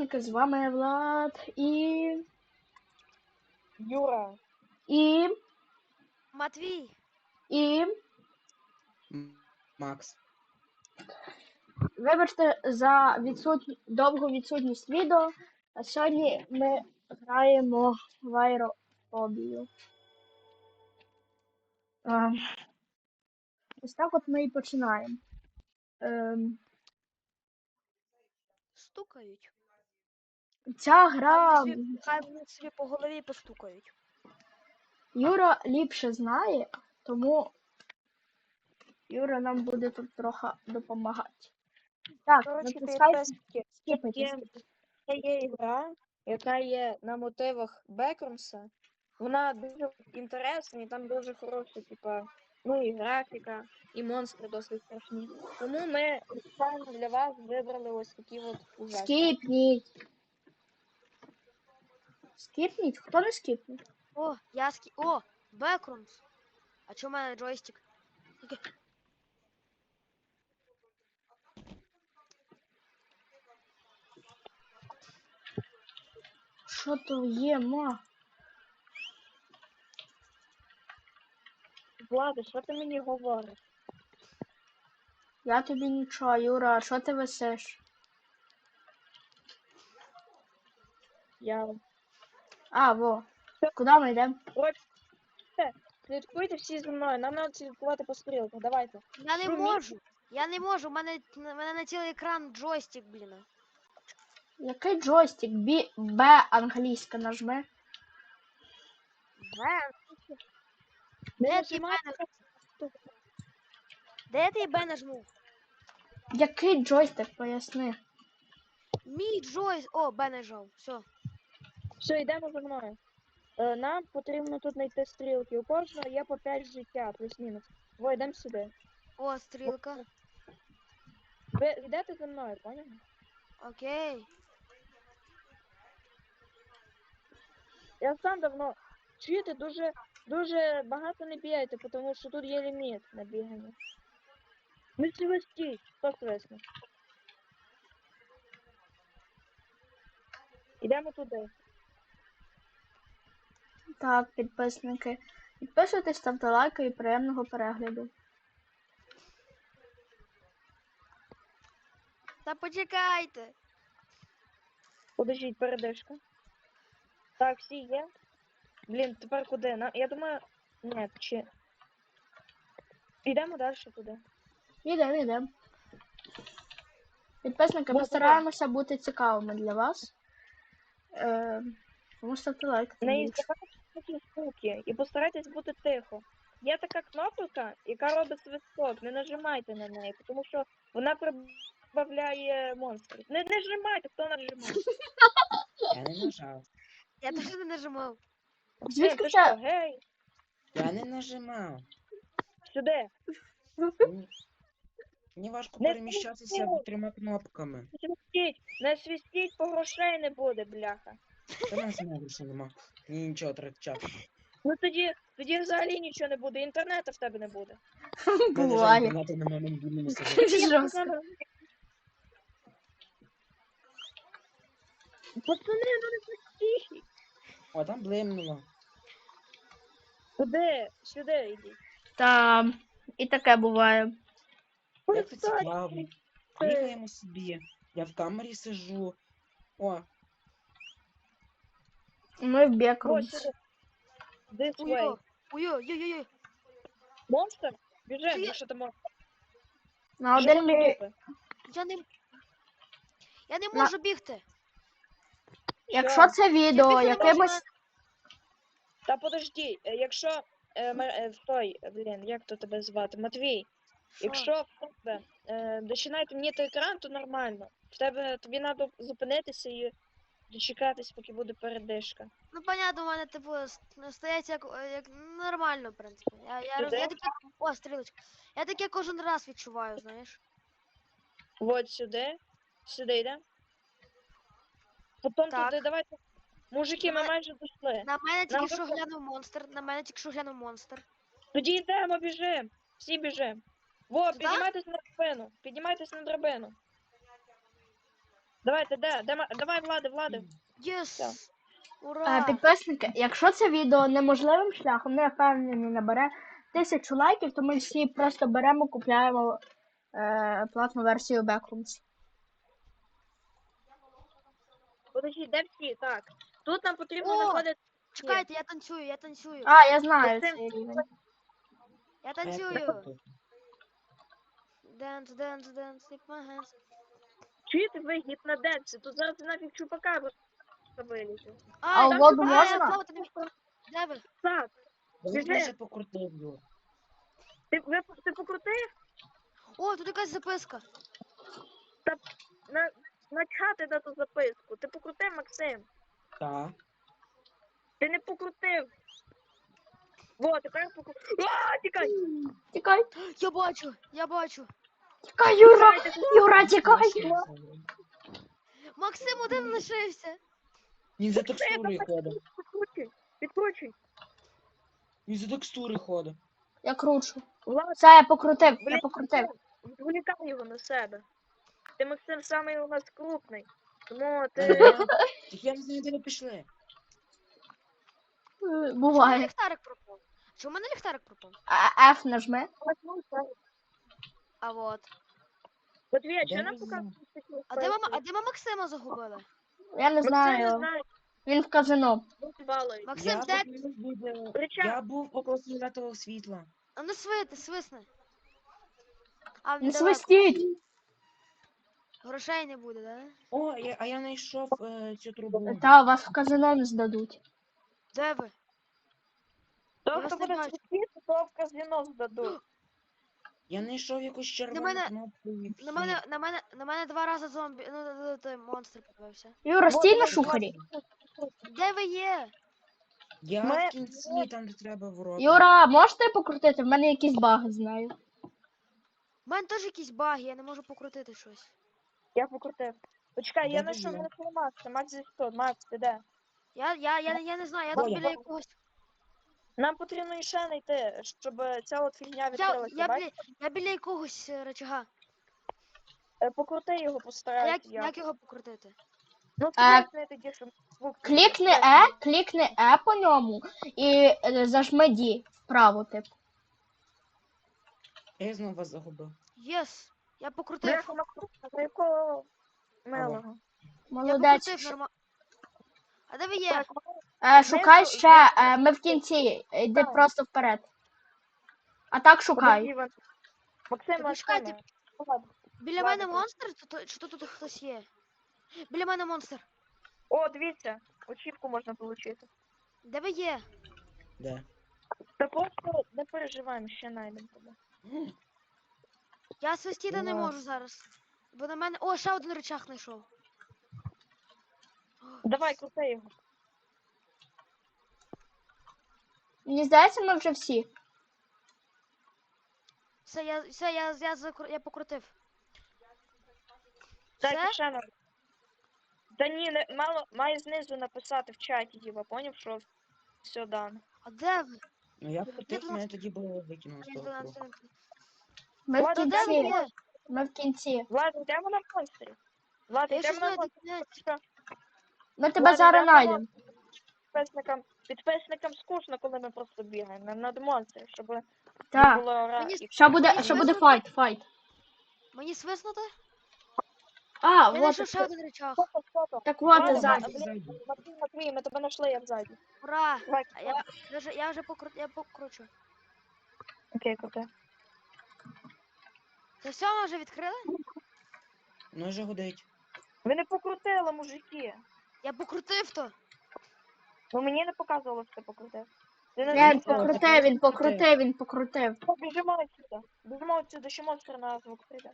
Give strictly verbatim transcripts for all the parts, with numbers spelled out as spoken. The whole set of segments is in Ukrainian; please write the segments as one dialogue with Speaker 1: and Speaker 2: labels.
Speaker 1: підписники, з вами Влад і...
Speaker 2: Юра.
Speaker 1: І...
Speaker 3: Матвій.
Speaker 1: І...
Speaker 4: Макс.
Speaker 1: Вибачте за відсутні... довгу відсутність відео, а сьогодні ми граємо в аерофобію. Ем, Ось так от ми і починаємо. Ем,
Speaker 3: Стукають.
Speaker 1: Ця
Speaker 3: Хай
Speaker 1: гра
Speaker 3: вони собі- Хай вони собі по голові постукають.
Speaker 1: Юра ліпше знає, тому Юра нам буде тут трохи допомагати. Так,
Speaker 2: Коротше,
Speaker 1: натискай
Speaker 2: підписники.
Speaker 1: скіпайте.
Speaker 2: Є, це є гра, яка є на мотивах Бекрумса. Вона дуже інтересна і там дуже хороша, типа, ну і графіка, і монстри досить страшні. Тому ми спеціально для вас вибрали ось такі от ужаси.
Speaker 1: Скіпніть. Скіпніть? Хто не скіпнув?
Speaker 3: О, я скі... О, Бекрумс. А чому в мене джойстик? Окей.
Speaker 1: Що то є, ма?
Speaker 2: Влада, що ти мені говориш?
Speaker 1: Я тобі нічого, Юра, а що ти висиш?
Speaker 2: Я...
Speaker 1: А, во. Куди ми йдемо?
Speaker 2: Слідкуйте всі за мною, нам треба слідкувати по стрілках, давайте.
Speaker 3: Я не
Speaker 2: Шуміть.
Speaker 3: можу. Я не можу. У мене, у мене на цілий екран джойстик, блін.
Speaker 1: Який джойстик? Бі... Б англійська нажми.
Speaker 3: Бе.
Speaker 2: Не
Speaker 3: Де ти
Speaker 2: нажимай,
Speaker 3: Б нажму? Де ти Б нажму?
Speaker 1: Який джойстик, поясни.
Speaker 3: Мій джойс. О, Б нажав. Все.
Speaker 2: Все, йдемо за мною. Е, нам потрібно тут знайти стрілки. У кожного є по п'ять життя, плюс-мінус. Во, йдемо сюди.
Speaker 3: О, стрілка.
Speaker 2: Ви йдете за мною, поняли?
Speaker 3: Окей.
Speaker 2: Я сам давно. Чуєте, дуже, дуже багато не бігайте, тому що тут є ліміт на бігання. Не свистіть, хто свисне. Йдемо туди.
Speaker 1: Так, підписники. Підписуйтесь, ставте лайки і приємного перегляду.
Speaker 3: Та почекайте.
Speaker 2: Подождіть, передишка. Так, всі є. Блін, тепер куди? На... Я думаю... Ні, чи... Йдемо далі туди.
Speaker 1: Ідемо, ідемо. Підписники, ми
Speaker 2: Ну,
Speaker 1: стараємося бути цікавими для вас. Е, Тому ставте лайк. тим
Speaker 2: Не
Speaker 1: більше.
Speaker 2: іздавайте такі звуки і постарайтесь бути тихо. Є така кнопка, яка робить свисток. Не нажимайте на неї, тому що вона прибавляє монстрів. Не не нажимайте, хто нажимає.
Speaker 4: Я не нажав.
Speaker 3: Я теж не нажимав.
Speaker 1: Звідки
Speaker 2: ти
Speaker 1: це?
Speaker 2: що, гей,
Speaker 4: Я не нажимав.
Speaker 2: сюди.
Speaker 4: Мені, мені важко
Speaker 2: Не
Speaker 4: переміщатися
Speaker 2: свистіть.
Speaker 4: трьома кнопками.
Speaker 2: Не свистіть, не свистіть, бо грошей не буде, бляха.
Speaker 4: Та нас знову що нема. Мені нічого трачати.
Speaker 2: Ну тоді, тоді взагалі нічого не буде, інтернету в тебе не буде.
Speaker 1: Буває.
Speaker 4: Інтернету на мобільному сидить.
Speaker 1: Жорстко.
Speaker 2: Пацани, ну не свистіть.
Speaker 4: О, там блимнуло.
Speaker 2: Куди? Сюди йдіть.
Speaker 1: Та і таке буває.
Speaker 4: Як це цікаво. Бігаємо собі. Я в камері сижу. О,
Speaker 1: Ми в
Speaker 2: Ось
Speaker 1: Бекрумс.
Speaker 2: сюди. This way.
Speaker 3: Уйо. Уйо, йо-йо-йо.
Speaker 2: Монстр? Біжи,
Speaker 3: Чи я-
Speaker 2: якщо ти можеш.
Speaker 1: На
Speaker 2: Що
Speaker 1: один
Speaker 2: ти
Speaker 1: мі...
Speaker 2: робиш?
Speaker 3: Я не... Я не
Speaker 1: На-
Speaker 3: можу бігти.
Speaker 1: Якщо це відео
Speaker 3: більше не
Speaker 1: якимось...
Speaker 3: можу
Speaker 2: Та подожди, е, якщо е, ме- е, той, е, блін, як то тебе звати? Матвій.
Speaker 3: Що?
Speaker 2: Якщо в тебе е, починає темніти екран, то нормально. В тебе тобі треба зупинитися і дочекатись, поки буде передишка.
Speaker 3: Ну, понятно, у мене, типу, с- стоять як, е, як нормально, в принципі. Я, я, роз-
Speaker 2: Сюди?
Speaker 3: я таке... О, стрілочка. Я таке кожен раз відчуваю, знаєш.
Speaker 2: От сюди. Сюди йде. Потім
Speaker 3: Так.
Speaker 2: туди, давайте. Мужики, ми
Speaker 3: Давай.
Speaker 2: майже дійшли.
Speaker 3: На мене тільки
Speaker 2: Нам
Speaker 3: що
Speaker 2: просто-
Speaker 3: глянув монстр. На мене тільки що глянув монстр.
Speaker 2: Тоді йдемо, біжимо. Всі біжимо. Во,
Speaker 3: Туди?
Speaker 2: піднімайтесь на драбину. Піднімайтесь на драбину. Давайте, де? де ма- давай, Влади, Влади.
Speaker 3: Єс!
Speaker 1: Е,
Speaker 3: Ура!
Speaker 1: Підписники, якщо це відео неможливим шляхом, не впевнений, набере тисячу лайків, то ми всі просто беремо, купляємо е, платну версію Backrooms.
Speaker 2: Подожди, де всі? Так. Тут нам потрібно
Speaker 3: О!
Speaker 2: знаходити.
Speaker 3: Чекайте, я танцюю, я танцюю.
Speaker 1: А, я знаю
Speaker 2: Максим,
Speaker 1: цей рівень.
Speaker 3: Я
Speaker 4: А як
Speaker 3: танцюю.
Speaker 4: тут?
Speaker 3: Dance, dance, dance, take my hands.
Speaker 2: Чуєте ви гіпноденси? Тут зараз нафіг чупака вилізе.
Speaker 1: А
Speaker 3: Ай,
Speaker 1: у воду
Speaker 3: ай,
Speaker 1: можна?
Speaker 3: я плавати не вмію. Де ви?
Speaker 2: Так,
Speaker 4: Я
Speaker 2: Біжи.
Speaker 4: вже покрутив його.
Speaker 2: ти, ви, ти покрутив?
Speaker 3: О, тут якась записка.
Speaker 2: На, начати на ту записку. Ти покрутив, Максим?
Speaker 4: Так.
Speaker 2: Ти не покрутив. Во, тепер покрутив. А, тікай!
Speaker 1: Тікай,
Speaker 3: Я бачу, я бачу.
Speaker 1: тікай, Юра!
Speaker 2: Тікайте,
Speaker 1: Юра, тікай!
Speaker 3: Максим один лишився.
Speaker 4: Він за текстури ходить.
Speaker 2: Підкручуй, підкручуй.
Speaker 4: Він за текстури ходить.
Speaker 1: Я кручу.
Speaker 2: Влад,
Speaker 1: Все, я покрутив, я
Speaker 2: блін,
Speaker 1: покрутив.
Speaker 2: відволікай його на себе. Ти, Максим, самий у нас крупний. Тому ти...
Speaker 4: Так я не знаю, де ви пішли.
Speaker 1: Е,
Speaker 3: Чому в мене
Speaker 1: Буває.
Speaker 3: ліхтарик пропав? Чому в мене ліхтарик пропав?
Speaker 1: А, F нажми.
Speaker 3: А от.
Speaker 2: Матвія, що
Speaker 4: Я
Speaker 2: нам
Speaker 4: не
Speaker 2: показує такі
Speaker 3: А де мама, а
Speaker 2: списки?
Speaker 3: де ми Максима загубили?
Speaker 1: Я не
Speaker 2: Максим не
Speaker 1: знаю.
Speaker 2: знає,
Speaker 1: Він в казино.
Speaker 2: балує.
Speaker 3: Максим,
Speaker 4: Я
Speaker 3: де?
Speaker 4: побіг від...
Speaker 2: Ричаг,
Speaker 4: Я був около фіолетового світла.
Speaker 3: А ну свисни, свисни. А
Speaker 1: Не
Speaker 3: далеко.
Speaker 1: свистіть.
Speaker 3: Грошей не буде, да?
Speaker 4: О, я, а я знайшов е, цю трубу.
Speaker 1: Та вас в казино не здадуть.
Speaker 3: Де ви?
Speaker 2: то,
Speaker 3: Я
Speaker 2: хто
Speaker 3: вас не
Speaker 2: буде
Speaker 3: бачу.
Speaker 2: світити, то в казино здадуть.
Speaker 4: Я знайшов якусь червону
Speaker 3: мене-
Speaker 4: кнопку і
Speaker 3: На мене, на мене, на мене два рази зомбі, ну, ну, ну, той монстр попався.
Speaker 1: Юра,
Speaker 2: Вот,
Speaker 1: стій на
Speaker 2: давай,
Speaker 1: шухері.
Speaker 3: Де ви є?
Speaker 4: Я
Speaker 2: Ми-
Speaker 4: в кінці, там де треба ворота.
Speaker 1: Юра, можете покрутити? В мене якісь баги знаю.
Speaker 3: У мене теж якісь баги, я не можу покрутити щось.
Speaker 2: Я покрутив. Почекай,
Speaker 4: Де
Speaker 2: я
Speaker 4: ви
Speaker 2: знайшов
Speaker 4: є?
Speaker 2: мене Макса. Макс зі сто. Макс, ти де?
Speaker 3: Я, я, я, я не знаю, я
Speaker 4: Бо
Speaker 3: тут
Speaker 4: я-
Speaker 3: біля якогось.
Speaker 2: Нам потрібно іще знайти, щоб ця от фігня
Speaker 3: Я,
Speaker 2: відкрилася.
Speaker 3: я,
Speaker 2: бачиш?
Speaker 3: біля, я біля якогось е, рычага.
Speaker 2: Е, Покрути його,
Speaker 3: А як,
Speaker 2: постарайся.
Speaker 3: як його покрутити?
Speaker 2: Ну,
Speaker 1: Е,
Speaker 2: скрипни тоді, щоб звук...
Speaker 1: Клікни Е, клікни Е по ньому і е, зажми Ді вправо, типу.
Speaker 4: Я знову вас загубив.
Speaker 3: Єс! Я покрутив.
Speaker 2: Бляха, на якого милого.
Speaker 3: Я
Speaker 1: Молодець.
Speaker 3: покрутив нормально. А де ви є?
Speaker 2: Так,
Speaker 1: Е, шукай
Speaker 2: знизу-
Speaker 1: ще, е, ми в кінці. Йди
Speaker 2: Так.
Speaker 1: просто вперед. А так шукай.
Speaker 2: подожди, Іван. Максим,
Speaker 3: Так, почекайте.
Speaker 2: Максиме. Ладно.
Speaker 3: Біля
Speaker 2: Ладно,
Speaker 3: мене
Speaker 2: то-
Speaker 3: монстр? Чи, то- чи тут, тут хтось є? Біля мене монстр.
Speaker 2: О, дивіться, очівку можна отримати.
Speaker 3: Де ви є?
Speaker 4: Де?
Speaker 2: Та просто не переживаємо, ще знайдемо тебе.
Speaker 3: Я свистіти не
Speaker 4: Ура.
Speaker 3: можу зараз. Бо на мене. О, ще один рычаг знайшов.
Speaker 2: Давай, крути його.
Speaker 1: Мені здається, ми вже всі.
Speaker 3: Все, я, все, я, я, закру... я покрутив.
Speaker 2: Дайте
Speaker 3: Все?
Speaker 2: ще нам. Та ні, не, мало, має знизу написати в чаті, Діва, поняв, що все дано.
Speaker 3: А де ви?
Speaker 4: Ну я покрутив,
Speaker 3: Тут
Speaker 4: мене тоді було викинуло з того кругу.
Speaker 1: Ми в
Speaker 2: Ладно,
Speaker 3: Де ви
Speaker 1: кінці.
Speaker 3: є?
Speaker 1: Ми в кінці.
Speaker 2: Влад, йдемо на монстрі. Влад,
Speaker 3: Я
Speaker 2: йдемо
Speaker 3: щось
Speaker 2: на
Speaker 3: не
Speaker 2: монстрі.
Speaker 1: Ми тебе
Speaker 2: Ладно,
Speaker 1: зараз
Speaker 2: йдемо на
Speaker 1: знайдемо.
Speaker 2: Підписникам, підписникам скучно, коли ми просто бігаємо. Нам надо монстри, щоб не
Speaker 1: Так.
Speaker 2: було ра...
Speaker 3: Мені
Speaker 2: і-
Speaker 1: Що буде,
Speaker 3: Мені
Speaker 1: що буде
Speaker 3: свиснути?
Speaker 1: файт, файт.
Speaker 3: Мені свиснути?
Speaker 1: А,
Speaker 3: Я
Speaker 1: вот.
Speaker 3: знайшов ще один рычаг.
Speaker 2: Фото, фото.
Speaker 1: Так вот,
Speaker 2: Ладно,
Speaker 1: і ззаді.
Speaker 2: блін, Матвій, Матвій, ми тебе знайшли, я ззаді.
Speaker 3: Ура!
Speaker 2: Давай,
Speaker 3: А я, я, вже, я вже покру... я покручу.
Speaker 2: окей, крути.
Speaker 3: Це все, ми вже відкрили?
Speaker 4: Ну вже гудить.
Speaker 2: Ви не покрутили, мужики.
Speaker 3: Я покрутив то.
Speaker 2: Ну мені не показувало, що ти покрутив. Ти не
Speaker 1: Він
Speaker 2: знайшов.
Speaker 1: покрутив, він покрутив, він покрутив.
Speaker 2: Біжимо отсюда. Біжимо отсюда, ще монстр на звук прийде.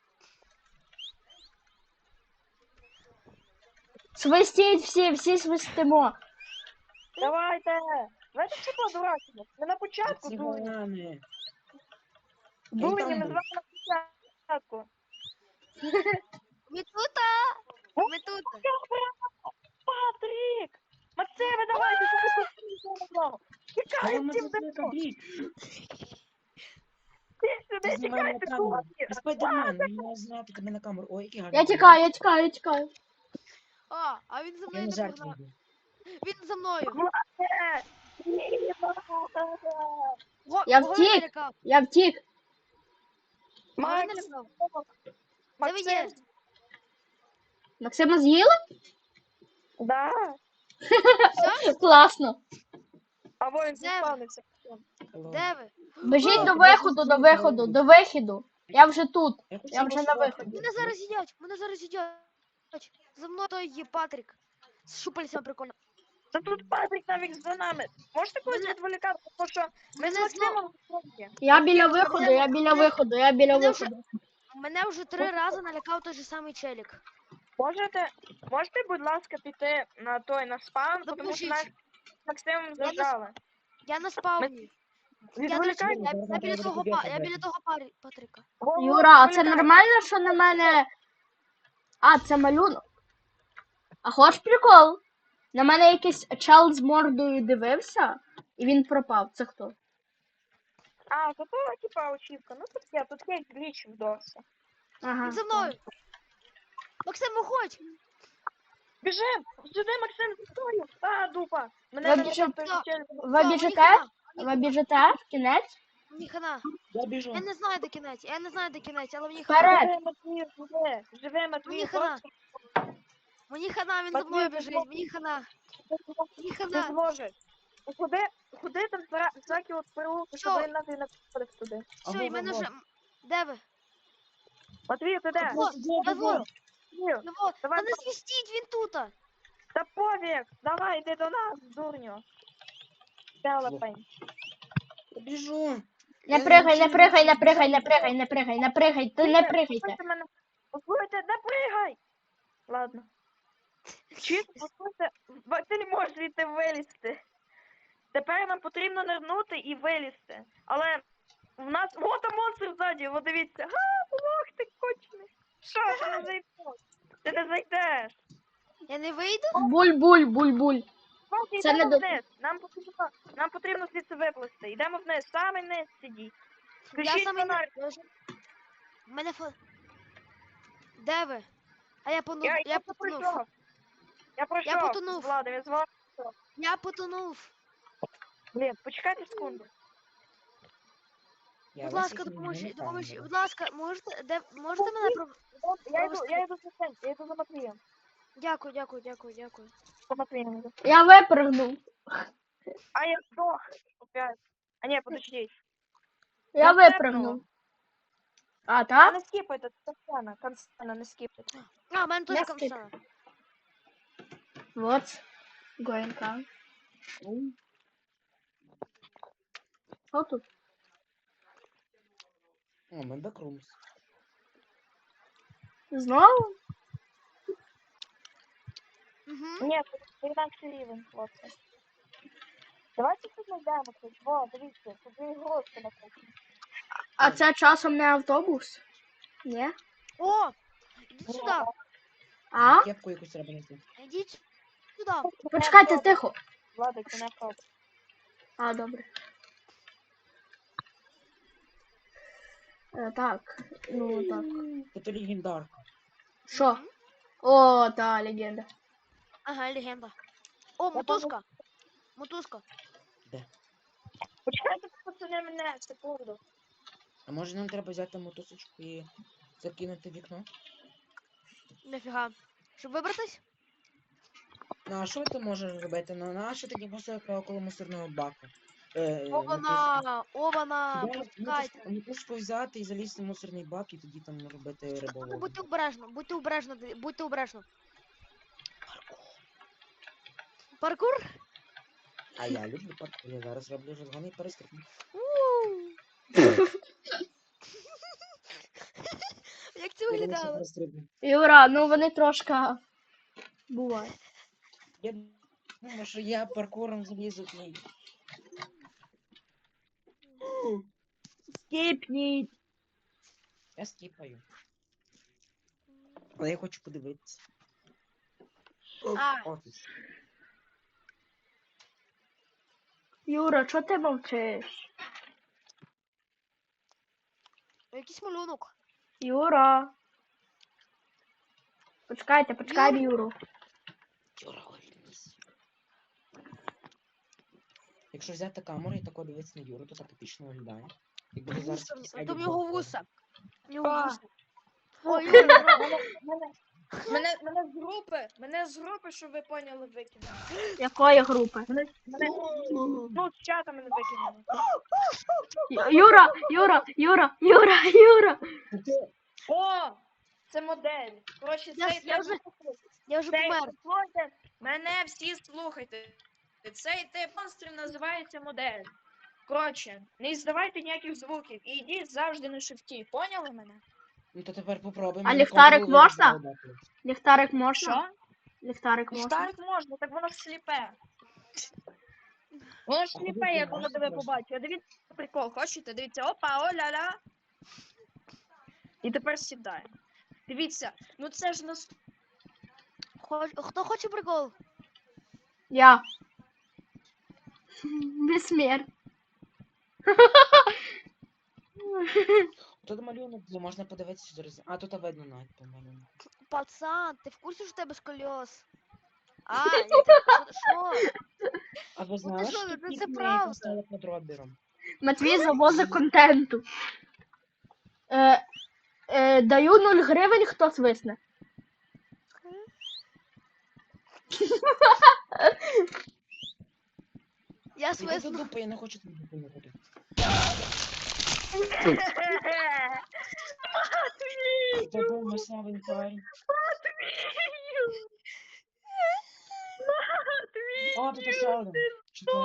Speaker 1: Свистіть всі, всі свистимо.
Speaker 2: Давайте! Давайте що подурачимо. Ми на початку
Speaker 4: Ці
Speaker 2: дурні.
Speaker 4: банани.
Speaker 2: Дурні,
Speaker 4: там
Speaker 2: ми з
Speaker 4: був.
Speaker 2: вами на початку.
Speaker 3: Ми тут, а? Ми тут.
Speaker 2: Патрік! Максиме, давайте, що ви тут?
Speaker 4: Але
Speaker 2: Тікай,
Speaker 4: ми
Speaker 2: всім
Speaker 4: тут
Speaker 2: давно.
Speaker 4: блін.
Speaker 2: Ти Сюди
Speaker 4: знімаємо на
Speaker 2: тікайте,
Speaker 4: камеру.
Speaker 2: хлопці!
Speaker 4: Ти спайдермен, він має зняти тебе на камеру. Ой, який гарний.
Speaker 1: Я
Speaker 4: камера.
Speaker 1: тікаю, я тікаю, я тікаю.
Speaker 3: А, а він за
Speaker 4: Я
Speaker 3: мною
Speaker 4: на
Speaker 3: не
Speaker 4: жертву
Speaker 3: погнав.
Speaker 4: йду.
Speaker 3: Він за мною.
Speaker 2: Е, ні,
Speaker 3: Го,
Speaker 1: Я
Speaker 3: кого він
Speaker 1: втік.
Speaker 3: налякав?
Speaker 1: Я втік.
Speaker 3: Кого він
Speaker 2: Макс,
Speaker 3: налякав? Де ви
Speaker 2: Максим,
Speaker 3: є?
Speaker 1: Максима з'їли?
Speaker 2: да.
Speaker 3: Все?
Speaker 1: Класно.
Speaker 2: Або він
Speaker 3: Де ви?
Speaker 2: заспавнився.
Speaker 4: Hello.
Speaker 3: Де ви?
Speaker 1: Біжіть
Speaker 3: О,
Speaker 1: до
Speaker 4: ти
Speaker 1: виходу,
Speaker 4: бачиш,
Speaker 1: до
Speaker 4: що
Speaker 1: виходу,
Speaker 4: робить?
Speaker 1: до виходу. Я вже тут.
Speaker 4: Я
Speaker 1: Я
Speaker 4: хотів
Speaker 1: вже на
Speaker 4: розслабити.
Speaker 1: виході.
Speaker 3: Мене зараз їдять, мене зараз їдять. За мною той є Патрік. З щупальцями прикольно.
Speaker 2: Та тут Патрік навіть за нами. Можете когось
Speaker 3: Мене-
Speaker 2: відволікати, тому що ми з
Speaker 3: мене знову-
Speaker 2: Максимом в фронті.
Speaker 1: Я біля
Speaker 3: Мене-
Speaker 1: виходу, я біля
Speaker 3: мене-
Speaker 1: виходу, я біля
Speaker 3: мене вже-
Speaker 1: виходу.
Speaker 3: Мене вже три рази налякав той же самий челік.
Speaker 2: Можете, можете, будь ласка, піти на той на спам, тому що
Speaker 3: Допоможіть.
Speaker 2: наш Максимом зажали.
Speaker 3: Я на спавні. Я, до речі,
Speaker 2: Відволікайте.
Speaker 3: я,
Speaker 4: Зараз
Speaker 3: я біля
Speaker 4: треба
Speaker 3: того,
Speaker 4: тобі
Speaker 3: па- я
Speaker 4: віддати.
Speaker 3: біля того парі, Патріка.
Speaker 2: Во-во,
Speaker 1: Юра, а це
Speaker 2: відволікайте.
Speaker 1: нормально, що на мене. А, це малюнок. А хоч прикол? На мене якийсь чел з мордою дивився, і він пропав. Це хто?
Speaker 2: А, то то, типа, очівка. Ну тут є, тут є гліч в досі.
Speaker 1: Ага.
Speaker 3: Він за мною. Максим, виходь!
Speaker 2: Біжим! Сюди, Максим, за тобою! А, дупа! Мене
Speaker 1: Ви
Speaker 2: не
Speaker 1: біжите?
Speaker 2: той же челюсть.
Speaker 1: Ви
Speaker 3: Все, мені
Speaker 1: біжите?
Speaker 3: хана,
Speaker 1: Ви біжите? В кінець?
Speaker 3: Мені хана.
Speaker 4: Я біжу.
Speaker 3: Я не знаю, де кінець, я не знаю, де кінець, але мені хана.
Speaker 1: Вперед!
Speaker 2: Живе, Матвій, живе! Живе,
Speaker 3: Мені
Speaker 2: Матвій,
Speaker 3: хана.
Speaker 2: просто
Speaker 3: Мені хана, він за
Speaker 2: Матвій,
Speaker 3: мною
Speaker 2: ти
Speaker 3: біжить,
Speaker 2: зможеш.
Speaker 3: мені хана. Мені
Speaker 2: ти
Speaker 3: хана.
Speaker 2: зможеш. Ну, Куди, куди там зра- всякі от переулки, щоб
Speaker 3: Що?
Speaker 2: він нас і не приходив туди?
Speaker 3: Все, і мене вже... Де ви?
Speaker 2: Матвій, ти де?
Speaker 3: Во,
Speaker 4: Я
Speaker 3: во,
Speaker 2: Матвій,
Speaker 3: ну во,
Speaker 2: Давай,
Speaker 3: та не свістіть, він тута.
Speaker 2: та повік! Давай, йди до нас, дурню! Телепень.
Speaker 4: Я біжу.
Speaker 1: Не
Speaker 4: Я
Speaker 1: пригай, не
Speaker 4: нічого
Speaker 1: пригай, не
Speaker 4: не
Speaker 1: пригай, не
Speaker 4: знаю.
Speaker 1: пригай, не пригай, не пригай, ти не пригайте.
Speaker 2: Послухайте мене. Послухайте, не пригай! Ладно. Чисто, послухайте, ба- ти не можеш звідти вилізти. Тепер нам потрібно нирнути і вилізти. Але в нас... О, там монстр ззаді, от дивіться. Га, лох ти кочний. Що, ти не зайдеш? Ти не зайдеш.
Speaker 3: Я не вийду?
Speaker 1: Буль-буль, буль-буль.
Speaker 2: Хлопці,
Speaker 1: Це
Speaker 2: йдемо
Speaker 1: не до-
Speaker 2: вниз. Нам потрібно, нам потрібно звідси виплисти. Йдемо вниз, саме вниз сидіть.
Speaker 3: Я
Speaker 2: Включіть
Speaker 3: саме
Speaker 2: фонарик.
Speaker 3: не... У мене фо... Де ви? А я пону...
Speaker 2: Я,
Speaker 3: я
Speaker 2: я
Speaker 3: потонув.
Speaker 2: пройшов. Я пройшов.
Speaker 3: потонув.
Speaker 2: З Владом, я з Владом.
Speaker 3: Я потонув.
Speaker 2: Блін, почекайте секунду.
Speaker 4: Я
Speaker 3: Будь
Speaker 4: вас
Speaker 3: ласка,
Speaker 4: їх не
Speaker 3: допоможіть,
Speaker 4: знаю,
Speaker 3: допоможіть.
Speaker 4: камера.
Speaker 3: Будь ласка, можете, де, можете мене про...
Speaker 2: Я йду, я йду за цим, я йду за Матвієм.
Speaker 3: Дякую, дякую, дякую, дякую.
Speaker 2: За Матвієм йду.
Speaker 1: Я випригнув.
Speaker 2: А я здох. Опять. А ні, подождіть.
Speaker 1: Я
Speaker 2: Я
Speaker 1: випригнув. А,
Speaker 2: А
Speaker 1: так?
Speaker 2: не скіпайте, це Констана, Констана, не скіпайте.
Speaker 3: А, в мене теж
Speaker 1: Я
Speaker 3: камсана.
Speaker 1: Вот. Going on. Що тут?
Speaker 4: О, ми бекрумс.
Speaker 1: Знову?
Speaker 3: Угу.
Speaker 2: Ні, це інакше рівень, хлопці. Давайте тут знайдемо щось. Во, дивіться, тут є ігрушки на кухні.
Speaker 1: А це часом не автобус? Ні?
Speaker 3: О! Ідіть сюди,
Speaker 1: А?
Speaker 4: Кепку якусь треба знайти.
Speaker 3: ідіть сюди.
Speaker 1: Почекайте, тихо.
Speaker 2: Владик, це не автобус.
Speaker 1: А, добре. Е, так, ну так.
Speaker 4: Це легендарка.
Speaker 1: Що? О, та легенда.
Speaker 3: Ага, легенда. О, мотузка. Мотузка.
Speaker 2: Почекайте, пацани, мене, секунду.
Speaker 4: А може нам треба взяти мотосочку і закинути в вікно?
Speaker 3: Нафіга. Щоб вибратись?
Speaker 4: Ну а що ти можеш робити? Ну на що тоді поставити около мусорного баку? Е, мотузку.
Speaker 3: Обана! Обана!
Speaker 4: Да,
Speaker 3: Пускайте.
Speaker 4: мотузку- мотузку взяти і залізти в мусорний бак і тоді там робити
Speaker 3: Ну,
Speaker 4: риболовлю.
Speaker 3: будьте обережно, будьте обережно, ди- будьте обережно. Паркур?
Speaker 4: А я люблю паркур, я зараз роблю розгони і перестрибну.
Speaker 3: Ууу. Як це
Speaker 4: Я думаю, що
Speaker 3: виглядало?
Speaker 4: перестрибну.
Speaker 1: Юра, ну вони трошки буває.
Speaker 4: Я думаю, що я паркуром залізу к ній.
Speaker 1: Скіпніть.
Speaker 4: Я скіпаю. Але я хочу подивитися.
Speaker 3: А.
Speaker 4: Офіс.
Speaker 1: Юра, чого ти мовчиш?
Speaker 3: Якийсь малюнок.
Speaker 1: Юра. Почекайте, почекаємо Юру.
Speaker 4: Юра, ольнись. Якщо взяти камеру і тако дивитися на Юру, то так епічно виглядає. Якби ти зараз
Speaker 3: Вуса, в
Speaker 4: якийсь
Speaker 3: ні-
Speaker 4: едіт
Speaker 3: там його
Speaker 4: був.
Speaker 3: вуса. В нього
Speaker 2: А.
Speaker 3: вуса. Ой, Юра, Юра.
Speaker 2: Мене, мене, мене, мене з групи, мене з групи, щоб ви поняли, викинули.
Speaker 1: Якої групи?
Speaker 2: Мене, мене, ну, з чата мене викинули.
Speaker 1: Ю- Юра, Юра, Юра, Юра, Юра.
Speaker 2: О! Це модель. Коротше,
Speaker 3: Я
Speaker 2: цей
Speaker 3: ж- я
Speaker 2: тип...
Speaker 3: вже- Я вже
Speaker 2: Цей,
Speaker 3: помер.
Speaker 2: слухайте, мене всі слухайте. Цей тип монстрів називається модель. Коротше, не здавайте ніяких звуків і йдіть завжди на шифті. Поняли мене?
Speaker 4: Ну то тепер попробуємо.
Speaker 1: А
Speaker 4: на
Speaker 1: ліхтарик
Speaker 4: Ctrl-V
Speaker 1: можна?
Speaker 4: задати.
Speaker 1: Ліхтарик можна?
Speaker 2: Що?
Speaker 1: Ліхтарик можна?
Speaker 2: Ліхтарик можна, так воно ж сліпе. Воно ж
Speaker 4: А
Speaker 2: сліпе,
Speaker 4: куди
Speaker 2: як
Speaker 4: ти
Speaker 2: воно
Speaker 4: можеш
Speaker 2: тебе
Speaker 4: просто?
Speaker 2: побачить. А дивіться прикол, хочете? Дивіться, опа, о-ля-ля. І тепер сідає. Дивіться, ну це ж нас.
Speaker 3: Хоч- Хто хоче прикол?
Speaker 1: Я. Безсмерть.
Speaker 4: Тут малюнок, де можна подивитися зараз. А, тут видно навіть по малюнку.
Speaker 3: Пацан, ти в курсі, що в тебе сколіоз? А, я так, що?
Speaker 4: А ви
Speaker 3: Ну
Speaker 4: знали,
Speaker 3: ти що,
Speaker 4: що
Speaker 3: ну
Speaker 4: тут
Speaker 3: це
Speaker 4: пікні
Speaker 3: правда.
Speaker 4: стали подробіром?
Speaker 1: Матвій завозить контенту. Е, е, даю нуль гривень, хто свисне.
Speaker 3: Я
Speaker 4: Іди до
Speaker 3: свисну.
Speaker 4: дупи, я не хочу тут допомогти. Це був масовий парень. О, тут ще один. Чи це...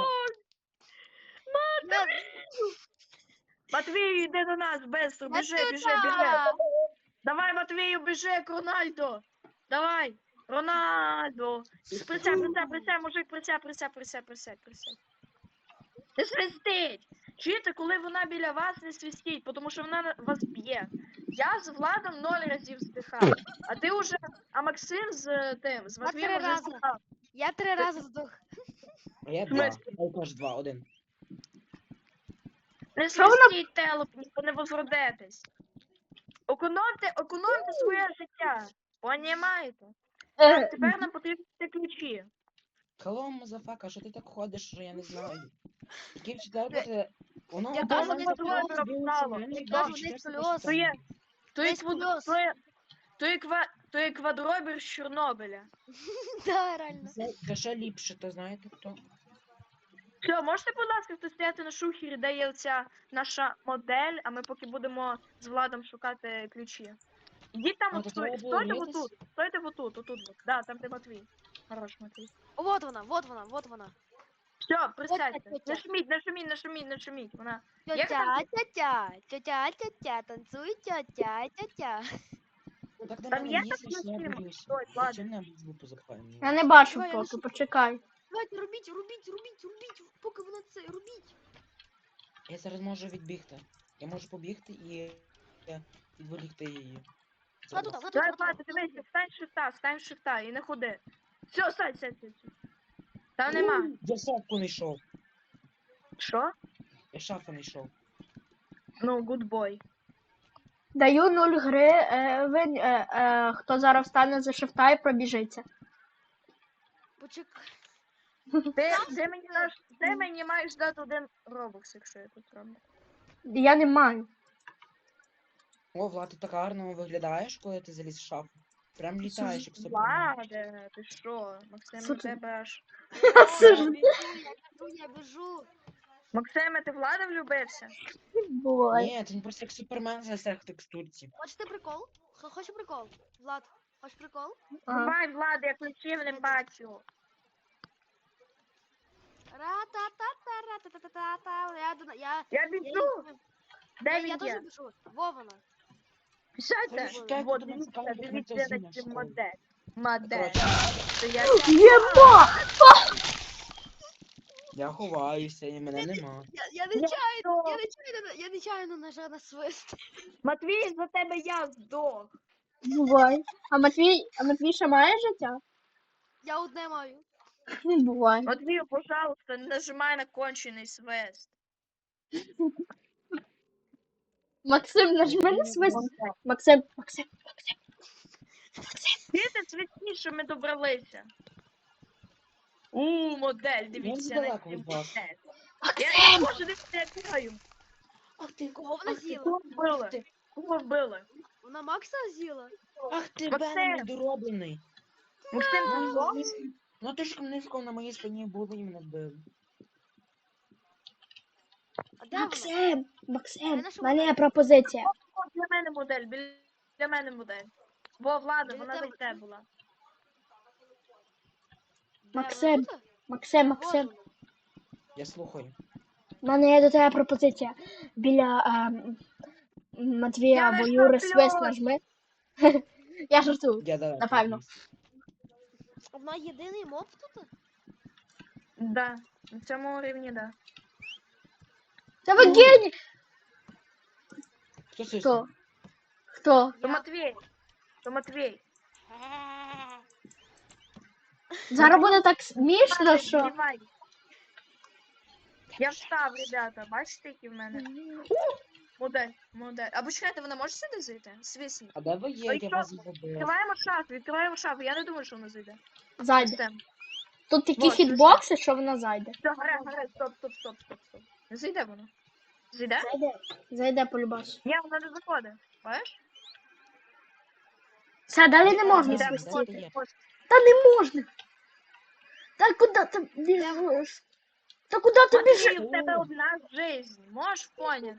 Speaker 3: Я-
Speaker 2: Матвію, йди до нас, быстро, біжи, біжи, біжи.
Speaker 3: Матюта!
Speaker 2: Давай, Матвію, біжи, як Рональдо. Давай, Рональдо. Присядь, присядь, присядь, мужик, присядь, присядь, присядь, присядь, присядь. Не свистить. Чуєте, коли вона біля вас, не свистіть, тому що вона на- вас б'є. Я з Владом ноль разів здихав. А ти уже, а Максим з е, тим, з
Speaker 3: Я
Speaker 2: Матвієм
Speaker 3: три
Speaker 2: уже
Speaker 3: рази.
Speaker 2: здихав.
Speaker 3: Я три рази здох.
Speaker 4: А я
Speaker 2: В
Speaker 4: два.
Speaker 2: смислі?
Speaker 4: Я теж два, один.
Speaker 2: Не
Speaker 1: Що вона-
Speaker 2: свистіть, телепні, ви не возродитесь. Економте, економте своє життя. Понімаєте? Так,
Speaker 1: Е,
Speaker 2: тепер нам потрібні ключі.
Speaker 4: Hello, мазафака, що ти так ходиш, що я не знаю. Який вчитель буде... Воно
Speaker 3: Я
Speaker 4: одразу
Speaker 3: кажу,
Speaker 4: не
Speaker 3: не
Speaker 4: запало,
Speaker 2: скольоз,
Speaker 4: дивиться
Speaker 2: Слава.
Speaker 4: на мене,
Speaker 2: Я
Speaker 4: і
Speaker 3: кажу,
Speaker 4: вчитель
Speaker 3: не
Speaker 4: себе
Speaker 3: скольоз.
Speaker 2: То є,
Speaker 4: питає.
Speaker 2: то є,
Speaker 3: Десь
Speaker 2: квад...
Speaker 3: плюс.
Speaker 2: то є, то є, ква... то є квадробір з Чорнобиля.
Speaker 3: Да, реально.
Speaker 4: Це та ще ліпше, то знаєте хто?
Speaker 2: Все, можете, будь ласка, хтось стояти на шухері, де є оця наша модель, а ми поки будемо з Владом шукати ключі. Ідіть там,
Speaker 4: А,
Speaker 2: от,
Speaker 4: то
Speaker 2: стой,
Speaker 4: треба було
Speaker 2: стойте
Speaker 4: різатись?
Speaker 2: отут, стойте отут, отут, от. Да, там де Матвій. Хорош, Матвій.
Speaker 3: О, вот вона, вот вона, вот вона.
Speaker 2: Все, присядьте.
Speaker 3: тетя.
Speaker 2: Не шуміть, не шуміть, не шуміть, не шуміть. Вона. Як
Speaker 3: Тетя,
Speaker 2: там?
Speaker 3: тетя, тетя, тетя, танцуй, тетя, тетя.
Speaker 4: Ну так до
Speaker 2: Там
Speaker 4: мене
Speaker 2: є
Speaker 4: їздиш, я
Speaker 2: такі
Speaker 4: боюся.
Speaker 2: Стой, ладно.
Speaker 4: Зачем нам звуку запхаємо?
Speaker 1: Я не бачу
Speaker 3: Давай, я
Speaker 1: поки,
Speaker 3: лишу.
Speaker 1: почекай.
Speaker 3: Давайте, рубіть, рубіть, рубіть, рубіть, поки вона це, рубіть.
Speaker 4: Я зараз можу відбігти. Я можу побігти і е, відволікти її.
Speaker 3: Вона тут, вона тут,
Speaker 2: Давай,
Speaker 3: вона
Speaker 2: Влад,
Speaker 3: тут.
Speaker 2: дивися, встань з шифта, встань з шифта і не ходи. Все, сядь, сядь, сядь. сядь. Там нема.
Speaker 4: Я шафу не йшов.
Speaker 2: Що?
Speaker 4: Я шафу не йшов.
Speaker 2: Ну, good boy.
Speaker 1: Даю нуль гривень, е, е, хто зараз встане за шифта і пробіжиться.
Speaker 3: Почекай.
Speaker 2: Ти, ти, мені наш, ти мені маєш дати один робокс, якщо я тут роблю.
Speaker 1: Я не маю.
Speaker 4: О, Влад, ти так гарно виглядаєш, коли ти заліз в шафу. Прям літаєш, як супермен.
Speaker 2: Ладе, ти що? Максим, на
Speaker 1: Слухай.
Speaker 2: тебе аж...
Speaker 3: О, я біжу, я біжу, я біжу.
Speaker 2: Максиме, ти влада влюбився?
Speaker 1: Бувай.
Speaker 4: Ні, це не просто як супермен засяг в текстурці.
Speaker 3: Хочете прикол? Х- Хочеш прикол? Влад, хочеш прикол?
Speaker 1: Ага.
Speaker 2: Давай, Влада, я ключів не бачу.
Speaker 3: Ра-та-та-та, ра-та-та-та-та. Я до- я...
Speaker 2: Я
Speaker 3: Я,
Speaker 2: біжу. Де
Speaker 3: я,
Speaker 2: він
Speaker 3: я
Speaker 2: є?
Speaker 3: теж біжу. Во вона.
Speaker 2: Пішайте.
Speaker 4: Чекайте,
Speaker 2: Вот,
Speaker 4: до нас
Speaker 2: дивіться,
Speaker 4: камера
Speaker 2: дивіться
Speaker 4: працює
Speaker 2: на
Speaker 4: в
Speaker 2: цю
Speaker 4: школі.
Speaker 2: модель. Модель.
Speaker 4: Коротше,
Speaker 2: То я
Speaker 1: Єба!
Speaker 4: я ховаюся, і мене нема.
Speaker 3: Я, я нечайно, я нечайно, я нечайно нажав на свист.
Speaker 2: Матвій, за тебе я здох.
Speaker 1: Бувай. А Матвій, а Матвій ще має життя?
Speaker 3: Я одне маю.
Speaker 1: Бувай.
Speaker 2: Матвію, пожалуйста, не нажимай на кончений свист.
Speaker 1: Максим, нажми на свист. Максим, Максим, Максим.
Speaker 2: Діти свідчі, що ми добралися. У, модель, дивіться на
Speaker 4: далеко
Speaker 2: цю
Speaker 4: від вас.
Speaker 2: модель. Я не
Speaker 1: Максим!
Speaker 2: можу, дивіться, я бігаю.
Speaker 4: Ах ти,
Speaker 3: Кого вона
Speaker 4: ах ти,
Speaker 3: з'їла?
Speaker 2: Кого вбили?
Speaker 4: ах ти,
Speaker 2: Кого вбили?
Speaker 3: Вона Макса з'їла?
Speaker 4: ах ти,
Speaker 2: Максим!
Speaker 4: Веном недороблений.
Speaker 2: Максим,
Speaker 4: Ну,
Speaker 2: ти що?
Speaker 4: ні- Ну ти ж низько на моїй спині було і мене вбили.
Speaker 3: А де вона?
Speaker 1: Максим, Максим,
Speaker 3: нашу
Speaker 1: в мене є
Speaker 3: модель.
Speaker 1: пропозиція.
Speaker 2: О, для мене модель, біля мене модель. Бо Влада,
Speaker 3: Біля
Speaker 2: вона
Speaker 3: тебе.
Speaker 2: за те була.
Speaker 3: Де
Speaker 1: Максим.
Speaker 3: вона тут?
Speaker 1: Максим,
Speaker 3: Вот
Speaker 1: Максим,
Speaker 3: вона.
Speaker 4: Я слухаю.
Speaker 1: в мене є до тебе пропозиція. Біля ем, Матвія
Speaker 2: Я
Speaker 1: або
Speaker 2: не
Speaker 1: Юри
Speaker 2: шаплю!
Speaker 1: свист нажми. Я жартую.
Speaker 4: Я далеко.
Speaker 1: Напевно.
Speaker 4: від вас.
Speaker 3: Вона єдиний моб тут?
Speaker 2: Да, на цьому рівні, да.
Speaker 1: Та ви гені!
Speaker 4: Хто свиснув?
Speaker 1: Хто? Хто?
Speaker 2: То
Speaker 3: Я.
Speaker 2: Матвій. То Матвій.
Speaker 1: Зараз буде так смішно,
Speaker 2: Ладно,
Speaker 1: що.
Speaker 2: знімай. Я встав, ребята, бачите, які в мене. Модель, модель. Або чекайте, вона може сюди зайти? Свісніть.
Speaker 4: А де ви є?
Speaker 2: Ой,
Speaker 4: Я
Speaker 2: що?
Speaker 4: вас забув.
Speaker 2: Відкриваємо шафу, відкриваємо шафу. Я не думаю, що вона зайде.
Speaker 1: Зайде.
Speaker 2: Система.
Speaker 1: Тут такі
Speaker 2: Вот,
Speaker 1: хітбокси, що вона зайде.
Speaker 2: Все, гаре, гаре, стоп, стоп, стоп, стоп, стоп. Не зайде вона. Зайде?
Speaker 1: Зайде. Зайде полюбас.
Speaker 2: Ні, вона не заходить. Бачиш?
Speaker 1: Все, далі не можна
Speaker 4: Йде,
Speaker 2: Іде,
Speaker 4: свистіти.
Speaker 1: свистіти.
Speaker 2: входить, входить.
Speaker 1: Та не можна. Та куди ти біжиш? Та куди ти
Speaker 2: Матвій,
Speaker 1: біжиш?
Speaker 2: у тебе одна жизнь. Можеш поняти?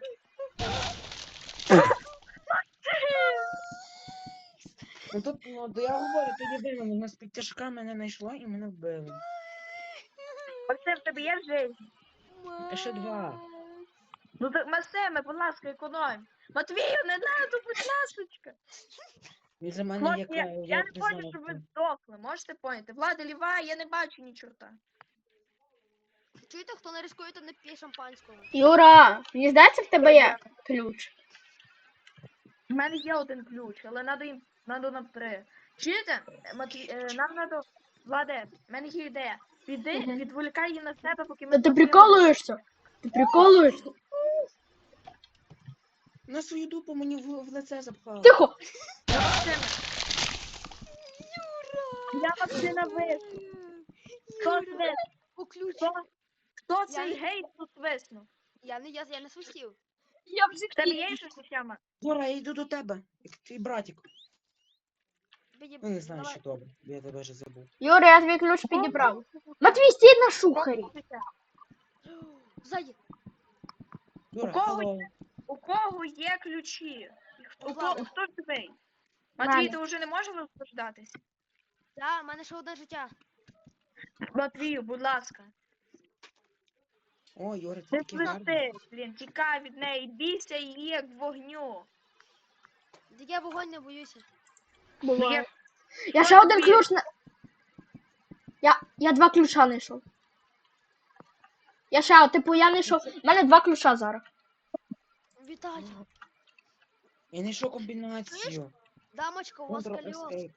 Speaker 4: Ну тут, ну, то я говорю, то єдине, вона з підтяжка мене знайшла і мене вбили.
Speaker 2: Максим, в тебе є жизнь?
Speaker 4: А ще два.
Speaker 2: Ну так, Максиме, будь ласка, економь. Матвію, не надо, будь ласочка.
Speaker 4: Він за мене
Speaker 2: Хлопці,
Speaker 4: як
Speaker 2: я,
Speaker 4: я,
Speaker 2: я
Speaker 4: я
Speaker 2: не хочу, щоб ви здохли, можете поняти? Влада ліва, я не бачу ні чорта.
Speaker 3: Чуєте, хто не рискує, то не п'є шампанського.
Speaker 1: Юра, мені здається, в тебе є ключ.
Speaker 2: У мене є один ключ, але надо їм, надо нам три. Чуєте? Е, Матвій, е, нам надо, Владе, в мене є ідея. Піди,
Speaker 1: Мгм.
Speaker 2: відволікай її на себе, поки ми...
Speaker 1: Та ти
Speaker 2: з Матвієм-
Speaker 1: приколуєшся? Ти приколуєшся?
Speaker 4: на свою дупу мені в, в лице запхав.
Speaker 1: Тихо!
Speaker 2: Я Максиме. Я Максима виснув. Хто свиснув?
Speaker 3: О, ключ.
Speaker 2: Хто, хто
Speaker 3: Я
Speaker 2: цей
Speaker 3: не-
Speaker 2: гей тут свиснув?
Speaker 3: Я не, я, я не свистів.
Speaker 1: Я в
Speaker 2: В тебе є щось Сяма?
Speaker 4: Юра, я йду до тебе, як твій братик.
Speaker 3: Тобі-
Speaker 4: Ну не знаю,
Speaker 3: давай.
Speaker 4: що добре, я тебе вже забув.
Speaker 1: Юра, я твій ключ підібрав. Матвій, стій на шухері.
Speaker 3: Ззаді.
Speaker 4: Юра,
Speaker 2: кого
Speaker 4: алло.
Speaker 2: У кого є ключі? У
Speaker 3: Влада.
Speaker 2: кого, хто живий?
Speaker 1: Мене.
Speaker 2: Матвій, ти вже не можеш розповідатись?
Speaker 3: Да, в мене ще одне життя.
Speaker 2: Матвію, будь ласка.
Speaker 4: О, Юра, ти
Speaker 2: Не
Speaker 4: такий гарний.
Speaker 2: свисти, блін, тікай від неї, бійся її як вогню.
Speaker 3: Так я вогонь не боюся.
Speaker 1: Буває.
Speaker 2: Є-
Speaker 1: Я ще один ключ на. Я, я два ключа знайшов. Я ще, типу, я знайшов. У мене два ключа зараз.
Speaker 3: Віталій.
Speaker 4: Я знайшов комбінацію.
Speaker 3: Дамочка, у вас
Speaker 4: Control
Speaker 3: кольос.
Speaker 4: Escape.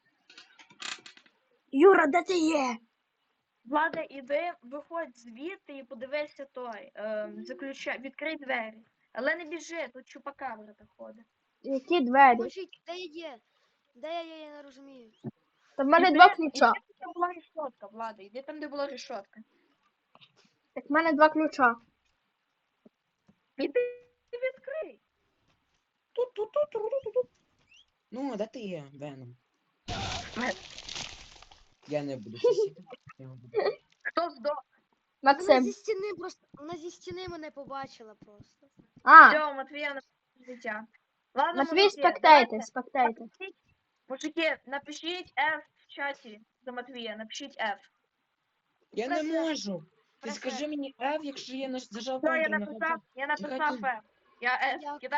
Speaker 1: Юра, де ти є?
Speaker 2: Влада, іди, виходь звідти і подивися той. Е, заключай, відкрий двері. Але не біжи, тут чупакабра ходить.
Speaker 1: Які двері?
Speaker 3: Поможіть, де я є? Де я є, я не розумію.
Speaker 1: Та в мене
Speaker 2: Іди-
Speaker 1: два ключа.
Speaker 2: Іди, там, де була решетка, Влада, іди там, де була решетка.
Speaker 1: Так в мене два ключа.
Speaker 2: Іди відкрий.
Speaker 4: Ту-ту-ту-ту-ту-ту. Ну, а де ти є, Веном?
Speaker 2: Мен.
Speaker 4: Я не буду сусіти. Я буду.
Speaker 2: Хто здох?
Speaker 3: Вона
Speaker 1: Максим.
Speaker 3: зі стіни просто. Вона зі стіни мене побачила просто.
Speaker 1: А,
Speaker 2: Все, Матвія на життя. Ладно,
Speaker 1: Матвій,
Speaker 2: мужики,
Speaker 1: спектайте,
Speaker 2: давайте.
Speaker 1: спектайте.
Speaker 2: Напишіть- Мужики, напишіть F в чаті за Матвія, напишіть F.
Speaker 4: Я не
Speaker 3: Пресер.
Speaker 4: можу. Ти
Speaker 3: Пресер.
Speaker 4: скажи мені F, якщо я наж- зажав
Speaker 2: Все, я
Speaker 4: контроль на
Speaker 2: написав, я написав
Speaker 4: Нехай
Speaker 2: F. Я F.
Speaker 3: Я-
Speaker 2: Кидаю